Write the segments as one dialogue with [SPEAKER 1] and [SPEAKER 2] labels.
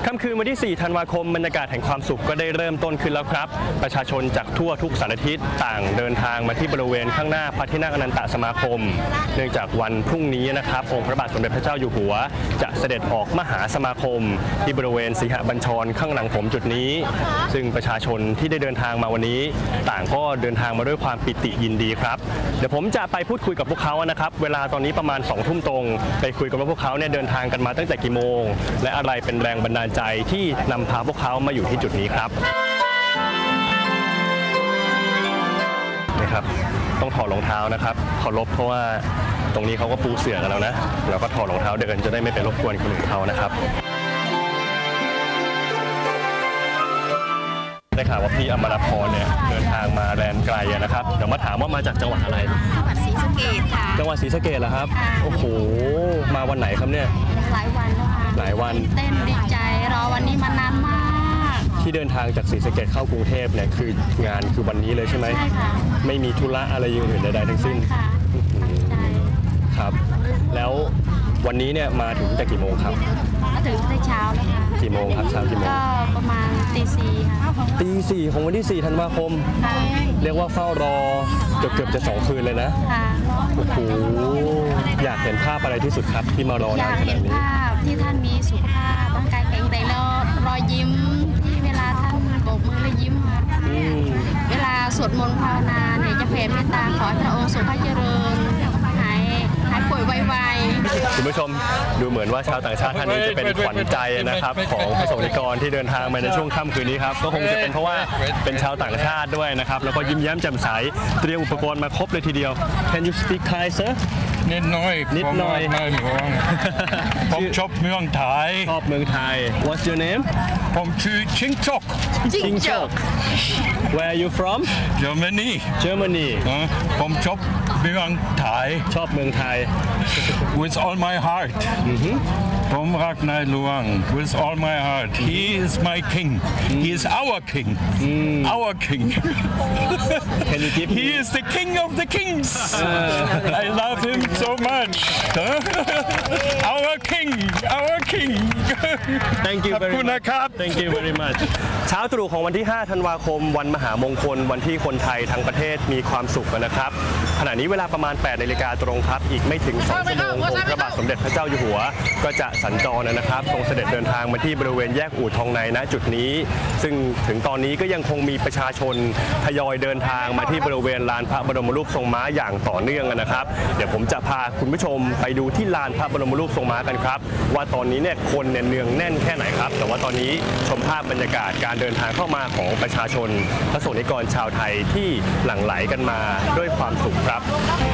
[SPEAKER 1] ค่ำคืนวันที่ 4 ธันวาคมบรรยากาศแห่งความสุขก็ได้เริ่มต้นขึ้นแล้วครับประชาชนจากทั่วทุกสารทิศต่างเดินทางมาที่บริเวณข้างหน้าพระที่นั่งอนันตสมาคมเนื่องจากวันพรุ่งนี้นะครับองค์พระบาทสมเด็จพระเจ้าอยู่หัวจะเสด็จออกมหาสมาคมที่บริเวณสิงหบัญชรข้างหลังผมจุดนี้ซึ่งประชาชนที่ได้เดินทางมาวันนี้ต่างก็เดินทางมาด้วยความปิติยินดีครับเดี๋ยวผมจะไปพูดคุยกับพวกเขานะครับเวลาตอนนี้ประมาณ 2 ทุ่มตรงไปคุยกับว่าพวกเขาเนี่ยเดินทางกันมาตั้งแต่กี่โมงและอะไรเป็นแรงบันดาลใจที่นำพาพวกเขามาอยู่ที่จุดนี้ครับนี่ครับต้องถอดรองเท้านะครับเคารพเพราะว่าตรงนี้เขาก็ปูเสื่อกันแล้วนะเราก็ถอดรองเท้าเดินจะได้ไม่ไปรบกวนคนอื่นเขานะครับได้ข่าวว่าพี่อมรพรเนี่ยเดินทางมาแดนไกลนะครับเดี๋ยวมาถามว่ามาจากจังหวัดอะไร
[SPEAKER 2] จังหวัดศรีสะเกษค่ะ
[SPEAKER 1] จังหวัดศรีสะเกษเหรอครับโอ้โหมาวันไหนครับเนี่ย
[SPEAKER 2] หลายวันแล้วค่ะ
[SPEAKER 1] หลายวัน
[SPEAKER 2] เต้นดีใจรอวันนี้มานานมาก
[SPEAKER 1] ที่เดินทางจากศรีสะเกษเข้ากรุงเทพเนี่ยคืองานคือวันนี้เลยใช่ไหม
[SPEAKER 2] ใช่ค่ะ
[SPEAKER 1] ไม่มีธุระอะไรอื่นใดๆทั้งสิ้น
[SPEAKER 2] ค่ะ
[SPEAKER 1] ครับแล้ววันนี้เนี่ยมาถึงแต่กี่โมงครับ
[SPEAKER 2] มาถึงแต่เช้าแล้วค่ะ
[SPEAKER 1] กี่โมงครับเช้ากี่โมง
[SPEAKER 2] ก็ประมาณตี 4ค่ะ
[SPEAKER 1] ตี 4ของวันที่ 4 ธันวาคมเรียกว่าเฝ้ารอเกือบจะ2 คืนเลยนะโอ้โหอยากเห็นภาพอะไรที่สุดครับที่มารอนานขนาดนี้
[SPEAKER 2] อยากเห็นภาพที่ท่านมีสุขภาพร่างกายแข็งแรงแล้วรอยยิ้มที่เวลาท่านโบกมือแล้วยิ้มเวลาสวดมนต์ภาวนาเนี่ยจะแผ่เมตตาขอให้พระองค์ทรงพระเจริญหายป่วยไวๆ
[SPEAKER 1] คุณผู้ชมดูเหมือนว่าชาวต่างชาติท่านนี้จะเป็นขวัญใจนะครับของประสบนิกรที่เดินทางมาในช่วงค่ำคืนนี้ครับก็คงจะเป็นเพราะว่าเป็นชาวต่างชาติด้วยนะครับแล้วก็ยิ้มแย้มแจ่มใสเตรียมอุปกรณ์มาครบเลยทีเดียว Can you speak Thai sir
[SPEAKER 3] นิดหน่อยผมชอบเมืองไทย
[SPEAKER 1] ชอบเมืองไทย What's your name
[SPEAKER 3] ผมชื่อชิงจอก
[SPEAKER 1] Where are you from
[SPEAKER 3] Germany ผมชอบเมืองไทย
[SPEAKER 1] ชอบเมืองไทย
[SPEAKER 3] With all my heart ผมรักนายหลวง With all my heart He is my king He is our king Our king
[SPEAKER 1] Can you give
[SPEAKER 3] He is the king of the kings I love him so much Our king
[SPEAKER 1] Thank you very much Thank you very much เช้าตรู่ของวันที่ 5 ธันวาคมวันมหามงคลวันที่คนไทยทั้งประเทศมีความสุขนะครับขณะนี้เวลาประมาณ 8 นาฬิกาตรงครับอีกไม่ถึง 2 ชั่วโมงองค์พระบาทสมเด็จพระเจ้าอยู่หัวก็จะสัญจรนะครับทรงเสด็จเดินทางมาที่บริเวณแยกอู่ทองในณจุดนี้ซึ่งถึงตอนนี้ก็ยังคงมีประชาชนทยอยเดินทางมาที่บริเวณลานพระบรมรูปทรงม้าอย่างต่อเนื่องนะครับเดี๋ยวผมจะพาคุณผู้ชมไปดูที่ลานพระบรมรูปทรงม้ากันครับว่าตอนนี้เนี่ยคนเนืองแน่นแค่ไหนครับแต่ว่าตอนนี้ชมภาพบรรยากาศการเดินทางเข้ามาของประชาชนพระสงฆ์นิกรชาวไทยที่หลั่งไหลกันมาด้วยความสุขครับ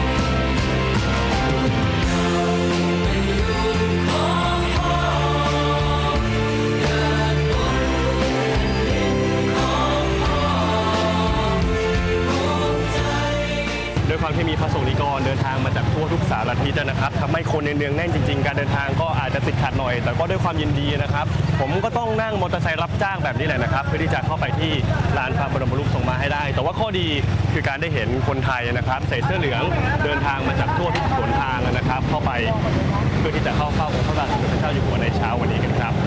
[SPEAKER 1] ด้วยความที่มีพระสงฆ์นิกรเดินทางมาจากทั่วทุกสารทิศนะครับทำให้คนเนืองแน่นจริงๆการเดินทางก็อาจจะติดขัดหน่อยแต่ก็ด้วยความยินดีนะครับผมก็ต้องนั่งมอเตอร์ไซค์รับจ้างแบบนี้แหละนะครับเพื่อที่จะเข้าไปที่ลานพระบรมรูปทรงม้าให้ได้แต่ว่าข้อดีคือการได้เห็นคนไทยนะครับใส่เสื้อเหลืองเดินทางมาจากทั่วทุกหนทางนะครับเข้าไปเพื่อที่จะเข้าเฝ้าองค์พระบาทสมเด็จพระเจ้าอยู่หัวในเช้าวันนี้กันครับ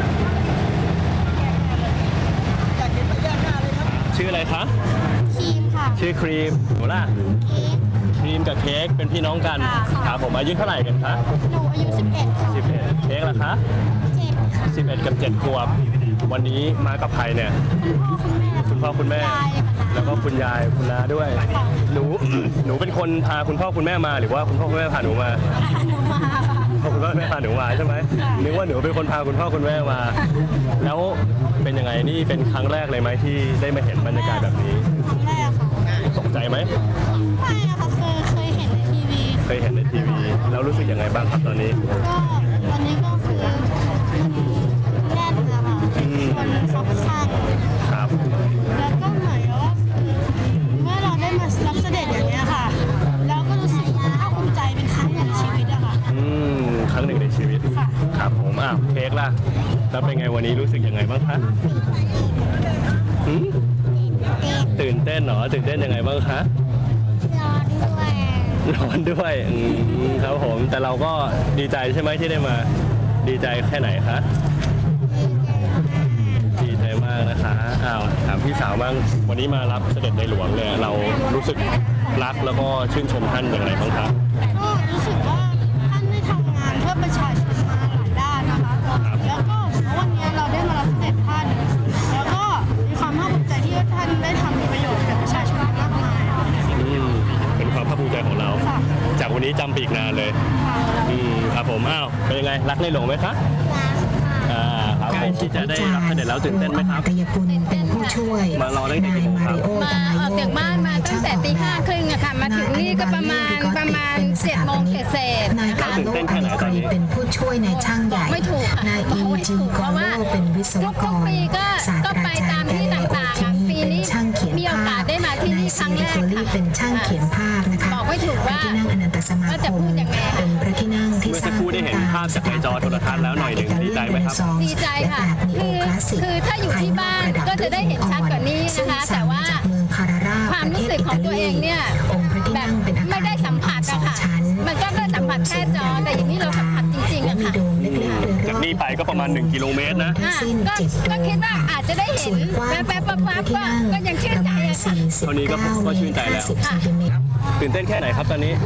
[SPEAKER 1] ชื่ออะไรคะ
[SPEAKER 2] ครีมค่ะ
[SPEAKER 1] ชื่อครีมหนูล่ะครีมกับเค้กเป็นพี่น้องกันครับผมอายุเท่าไหร่กันคะ
[SPEAKER 2] หนูอายุ11ค่ะ
[SPEAKER 1] 11เค้กล่ะคะ
[SPEAKER 2] 7ค่ะ
[SPEAKER 1] 11กับ7ขวบวันนี้มากับใครเนี่ยคุณพ่อคุณแม่แล้วก็คุณยายคุณน้าด้วยหนูเป็นคนพาคุณพ่อคุณแม่มาหรือว่าคุณพ่อคุณแม่พาหนูมาคุณพ่อคุณแม่พาหนูมาใช่ไหมนึกว่าหนูเป็นคนพาคุณพ่อคุณแม่มาแล้วเป็นยังไงนี่เป็นครั้งแรกเลยไหมที่ได้มาเห็นบรรยากาศแบบนี้
[SPEAKER 2] ครั้งแรกค่ะ
[SPEAKER 1] ตกใจไหม
[SPEAKER 2] ไม่ค่ะเคยเห็นในทีวี
[SPEAKER 1] แล้วรู้สึกยังไงบ้างครับตอนนี้
[SPEAKER 2] ก็วันนี้ก็คือแน่นนะคะคนคับข้าง
[SPEAKER 1] ครับ
[SPEAKER 2] แล้วก็เหมือนว่าเมื่อเราได้มารับเสด็จอย่างนี้ค่ะแล้วก็รู้สึกภาคภูมิใจเป็นครั้งหนึ่งในชีวิตอะค่ะ
[SPEAKER 1] ครั้งหนึ่งในชีวิตครับผมเค้กล่ะแล้วเป็นไงวันนี้รู้สึกยังไงบ้างคะตื่นเต้นเหรอตื่นเต้นยังไงบ้างคะร้อนด้วยครับผมแต่เราก็ดีใจใช่ไหมที่ได้มาดีใจแค่ไหนคะ
[SPEAKER 2] ดีใจ
[SPEAKER 1] อ้าวถามพี่สาวบ้างวันนี้มารับเสด็จในหลวงเนี่ยเรารู้สึกรักแล้วก็ชื่นชมท่านอย่างไรบ้างครับ
[SPEAKER 4] ก็รู้สึกว่าท่านได้ทำงานเพื่อประชาชนมาหลายด้านนะคะแล้วก็วันนี้เราได้มารับเสด็จท่านแล้วก็มีความภาคภูมิใจที่ท่านได้ทำประโยชน์กับประชาชนมากมาย
[SPEAKER 1] เป็นความภาคภูมิใจของเรา จากวันนี้จำปีกนานเลยครับผมอ้าวเป็นยังไงรักในหลวงไหมครับครับผมที่จะได้รับเสด็จแล้วตื่นเต้นไหมครับ
[SPEAKER 5] กายกุลเป็นผู้ช่วย
[SPEAKER 1] มารอตั้งแต่กี่โมงครับ
[SPEAKER 2] มาออกจากบ้านมาตั้งแต่ตี5:30อะค่ะมาถึงนี่ก็ประมาณ7 โมงเศษ
[SPEAKER 5] นายกาโลอนิกรีเป็นผู้ช่วยนายช่างใหญ่
[SPEAKER 2] ไม่ถูก
[SPEAKER 5] นายอีจีกอโลเป็นวิศวก
[SPEAKER 2] ทุก
[SPEAKER 5] ร
[SPEAKER 2] ปีก็
[SPEAKER 5] ศาสต
[SPEAKER 2] ก็
[SPEAKER 5] รา
[SPEAKER 2] ไป
[SPEAKER 5] จา
[SPEAKER 2] ตาร ม
[SPEAKER 5] ย์
[SPEAKER 2] ที่
[SPEAKER 5] แก่
[SPEAKER 2] ต่าง
[SPEAKER 5] ที่
[SPEAKER 2] ๆ
[SPEAKER 5] นี่
[SPEAKER 2] ปี
[SPEAKER 5] เป็น
[SPEAKER 2] นี้
[SPEAKER 5] ช่างเขียน
[SPEAKER 2] มีโอ
[SPEAKER 5] ภาก
[SPEAKER 2] า
[SPEAKER 5] พ
[SPEAKER 2] สได้มาที่
[SPEAKER 5] นา
[SPEAKER 2] นี่
[SPEAKER 5] ย
[SPEAKER 2] ครั้
[SPEAKER 5] ซี
[SPEAKER 2] งแร
[SPEAKER 5] นิ
[SPEAKER 2] ก
[SPEAKER 5] โคลี
[SPEAKER 2] ค่ะ
[SPEAKER 5] เป็นช่างเขียนภาพนะคะ
[SPEAKER 2] บอกไม่ถูก
[SPEAKER 5] พระ
[SPEAKER 2] ว่า
[SPEAKER 5] ที่นั่งอนันตสมา
[SPEAKER 2] ว่า
[SPEAKER 5] ค
[SPEAKER 2] จะ
[SPEAKER 5] ม
[SPEAKER 2] พูดยังไง
[SPEAKER 5] เป็นพระที่นั่งที่
[SPEAKER 1] เมื่อ
[SPEAKER 5] ส
[SPEAKER 1] สัก
[SPEAKER 5] ร้าง
[SPEAKER 1] ครู่ได้เห็นภาพจากในจอโทรทัศน์แล้วหน่อยหนึ่งดีใจไหมครับ
[SPEAKER 2] ดีใจค่ะคือถ้าอยู่ที่บ้านก็จะได้เห็นชัดกว่านี้นะคะแต่ว่าความรู้สึกของตัวเองเนี่ยแบบไม่ได้สัมผัสอะค่ะมันก็ได้สัมผัสแค่จอแต่อย่างนี้เราสัมผัสจริงๆอะค่ะ
[SPEAKER 1] จากนี่ไปก็ประมาณ1 กิโลเมตรนะ
[SPEAKER 2] ก็คิดว่าอาจจะได้เห็นแป๊บๆก็ยังชื่นใจอะค่ะ
[SPEAKER 1] เท่านี้ก็ชื่นใจแล้ว ตื่นเต้นแค่ไหนครับตอนนี้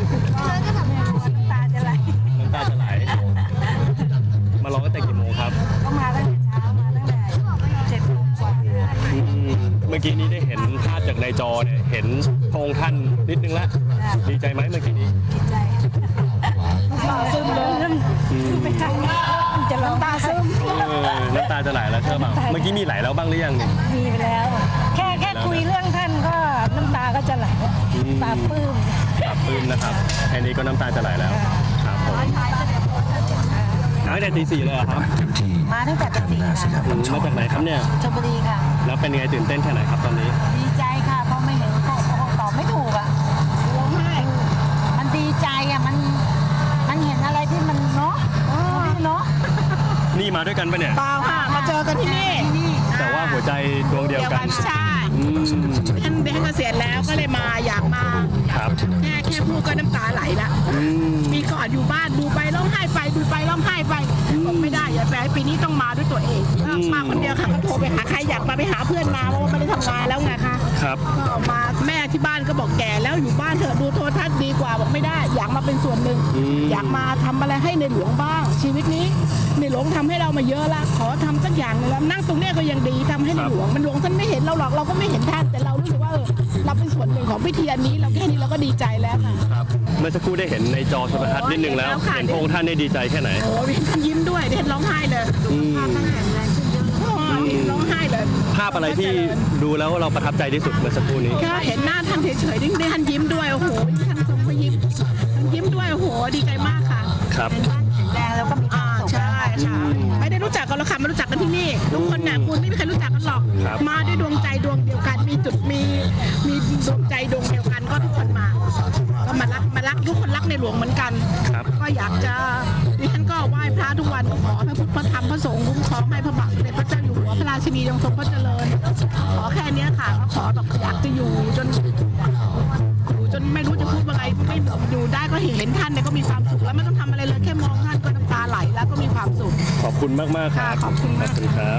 [SPEAKER 1] น้ำตาจะไหลมารอตั้งแต่กี่โมงครับ
[SPEAKER 4] ก็มาตั้งแต่เช้ามาตั้งแต่7 โมงกว่า
[SPEAKER 1] เมื่อกี้นี้ได้เห็นภาพจากในจอเนี่ยเห็นพระองค์ท่านนิดนึงละดีใจไหมเมื่อกี้นี้
[SPEAKER 4] ดีใจซึมเลยไม่ใช่จะร้องตาซึม
[SPEAKER 1] น้ำตาจะไหลแล้วใช่ป่ะเมื่อกี้มีไหลแล้วบ้างหรือยังเนี่ย
[SPEAKER 4] มีไปแล้ว แค่คุยเรื่องท่านก็น้ำตาก็จะไหลปลาบปลื้ม
[SPEAKER 1] ปรับปลื้มนะครับแค่นี้ก็น้ำตาจะไหลแล้วครับผมตั้งแต่ตี 4เลยเหรอครับ
[SPEAKER 4] มาตั้งแต่ตี 4 ค่ะ
[SPEAKER 1] มาจากไหนครับเนี่ย
[SPEAKER 4] ชลบุรีค่ะ
[SPEAKER 1] แล้วเป็นไงตื่นเต้นแค่ไหนครับตอนนี้
[SPEAKER 4] ดีใจค่ะเพราะไม่เห็นก็ตอบไม่ถูกอ่ะร้องไห้มันดีใจอ่ะมันเห็นอะไรที่มันเนาะเนาะ
[SPEAKER 1] นี่มาด้วยกันปะเนี่ย
[SPEAKER 6] เปล่าค่ะมาเจอกันที่นี่
[SPEAKER 1] แต่ว่าหัวใจดวงเดียวกัน
[SPEAKER 6] ใช่ท่านเกษียณแล้วก็เลยมาอยากมา
[SPEAKER 1] ครับ
[SPEAKER 6] แค่พูดก็น้ำตาไหลละปีก่อนอยู่บ้านดูไปร้องไห้ไปดูไปร้องไห้ไปบอกไม่ได้อย่าแปลปีนี้ต้องมาด้วยตัวเองมาคนเดียวค่ะก็โทรไปหาใครอยากมาไปหาเพื่อนมาเพราะว่าไม่ได้ทำงานแล้วไงคะ
[SPEAKER 1] ครับ
[SPEAKER 6] ก็มาแม่ที่บ้านก็บอกแก่แล้วอยู่บ้านเถอะดูโทรทัศน์ดีกว่าบอกไม่ได้ อยากมาเป็นส่วนหนึ่งอยากมาทำอะไรให้ในหลวงบ้าง ชีวิตนี้ในหลวงทำให้เรามาเยอะละขอทำสักอย่างหนึงแล้วนั่งตรงเนี้ยก็ยังดีทำให้ในหลวงมันหลวงท่านไม่เห็นเราหรอกเราก็ไม่เห็นท่านแต่เรารู้สึกว่าเราเป็นส่วนหนึ่งของพิธีอันนี้เราแค่นี้เราก็ดีใจแล้วค่ะ
[SPEAKER 1] ครับเมื่อสักครู่ได้เห็นในจอโทรทัศน์นิดนึงแล้ว
[SPEAKER 6] เห็
[SPEAKER 1] เห็น
[SPEAKER 6] น
[SPEAKER 1] พ
[SPEAKER 6] แล้วค่ะ
[SPEAKER 1] ระองค์ท่านได้ดีใจแค่ไหน
[SPEAKER 6] โอ้ยท่านยิ้มด้วยท่านร้องไห้เลยภาพท่านแข็งแรงขึ้นเยอะร้องไห้เลย
[SPEAKER 1] ภาพอะไรที่ดูแล้วเราประทับใจที่สุดเมื่อสักครู่นี้
[SPEAKER 6] ก็เห็นหน้าท่านเฉยๆได้ท่านยิ้มด้วยโอ้โหท่านทรงพระยิ้มท่านยิ้มด้วยโอ้โหดีใจมากค่ะ
[SPEAKER 1] ครับ
[SPEAKER 4] แรงแล้วก็มีความสุข
[SPEAKER 6] ใช่ค่ะไม่ได้รู้จักกันหรอกค่ะมารู้จักกันที่นี่ทุกคนน่ะคุณไม่มีใครรู้จักกันหรอก
[SPEAKER 1] ครับ
[SPEAKER 6] มาด้วยดวงใจดวงเดียวกันมีจุดมีดวงใจดวงเดียวกันก็ทุกคนมาก็มารักทุกคนรักในหลวงเหมือนกัน
[SPEAKER 1] ครับ
[SPEAKER 6] ก็อยากจะดิฉันก็ไหว้พระทุกวันก็ขอให้พุทธพระธรรมพระสงฆ์คุ้มครองให้พระบาทสมเด็จพระเจ้าอยู่หัวพระราชินีทรงพระเจริญขอแค่เนี้ยค่ะก็ขอแบบอยากจะอยู่จนไม่รู้จะพูดว่าไงไม่อยู่ได้ก็เห็นท่านเนี่ยก็มีความสุขแล้วไม่ต้องทำอะไรเลยแค่มองท่านก็น้ำตาไหลแล้วก็มีความสุข
[SPEAKER 1] ขอบคุณมากๆครับ
[SPEAKER 6] ค่ะขอบคุณมาก
[SPEAKER 1] ขอบคุณครับ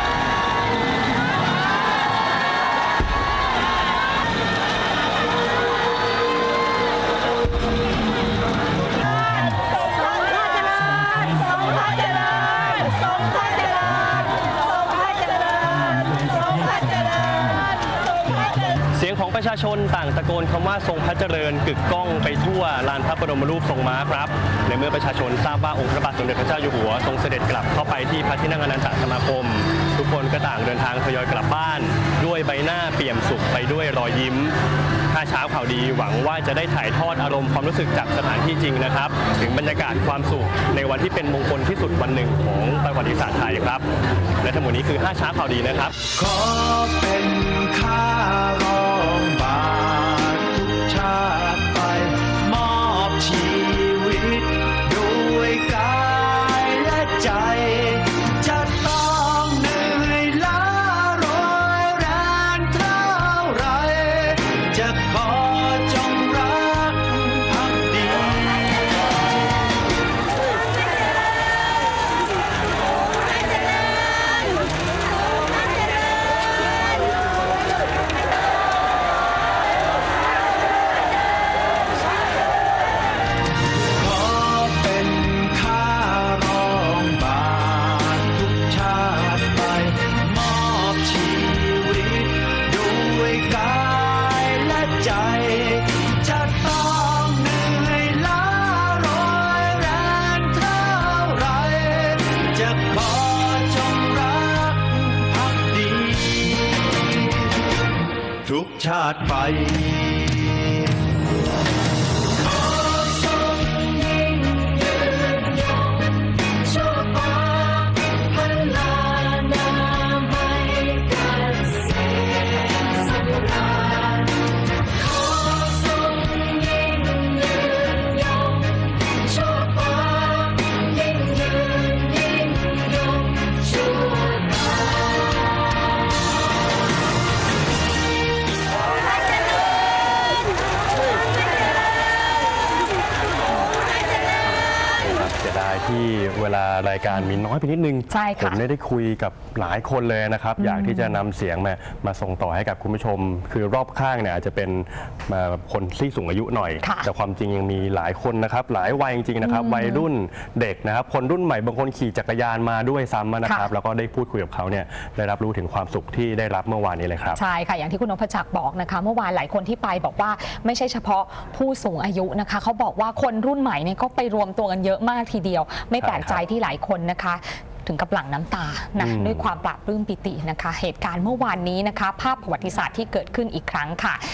[SPEAKER 1] เสียงของประชาชนต่างตะโกนคำว่าทรงพระเจริญกึกก้องไปทั่วลานพระบรมรูปทรงม้าครับในเมื่อประชาชนทราบว่าองค์พระบาทสมเด็จพระเจ้าอยู่หัวทรงเสด็จกลับเข้าไปที่พระที่นั่งอนันตสมาคม ทุกคนก็ต่างเดินทางทยอยกลับบ้าน ด้วยใบหน้าเปี่ยมสุขไปด้วยรอยยิ้มถ้าเช้าข่าวดีหวังว่าจะได้ถ่ายทอดอารมณ์ความรู้สึกจากสถานที่จริงนะครับถึงบรรยากาศความสุขในวันที่เป็นมงคลที่สุดวันหนึ่งของประวัติศาสตร์ไทยครับและทั้งหมดนี้คือ5เช้าข่าวดีนะครับ
[SPEAKER 7] ขอเป็นข้ารองบาททุกชาติไป มอบชีวิตด้วยกายและใจ จะต้องเหนื่อยล้าร้อยแรงเท่าไร จะขอจงรักภักดี
[SPEAKER 4] เ
[SPEAKER 7] ชาติไป
[SPEAKER 1] ที่เวลารายการมีน้อยไปนิดนึง
[SPEAKER 8] ใช่ค่ะ
[SPEAKER 1] ผมได้คุยกับหลายคนเลยนะครับ อยากที่จะนำเสียงมาส่งต่อให้กับคุณผู้ชม คือรอบข้างเนี่ยอาจจะเป็นคนที่สูงอายุหน่อย แต่ความจริงยังมีหลายคนนะครับหลายวัยจริงๆนะครับวัยรุ่นเด็กนะครับคนรุ่นใหม่บางคนขี่จักรยานมาด้วยซ้ำนะครับแล้วก็ได้พูดคุยกับเขาเนี่ยได้รับรู้ถึงความสุขที่ได้รับเมื่อวานนี้เลยครับ
[SPEAKER 8] ใช่ค่ะอย่างที่คุณนพจักรบอกนะคะเมื่อวานหลายคนที่ไปบอกว่าไม่ใช่เฉพาะผู้สูงอายุนะคะเขาบอกว่าคนรุ่นใหม่เนี่ยก็ไปรวมตัวกันเยอะมากทีเดียวไม่แปลกใจที่หลายคนนะคะถึงกับหลั่งน้ำตานะด้วยความปลาบปลื้มปิตินะคะเหตุการณ์เมื่อวานนี้นะคะภาพประวัติศาสตร์ที่เกิดขึ้นอีกครั้งค่ะ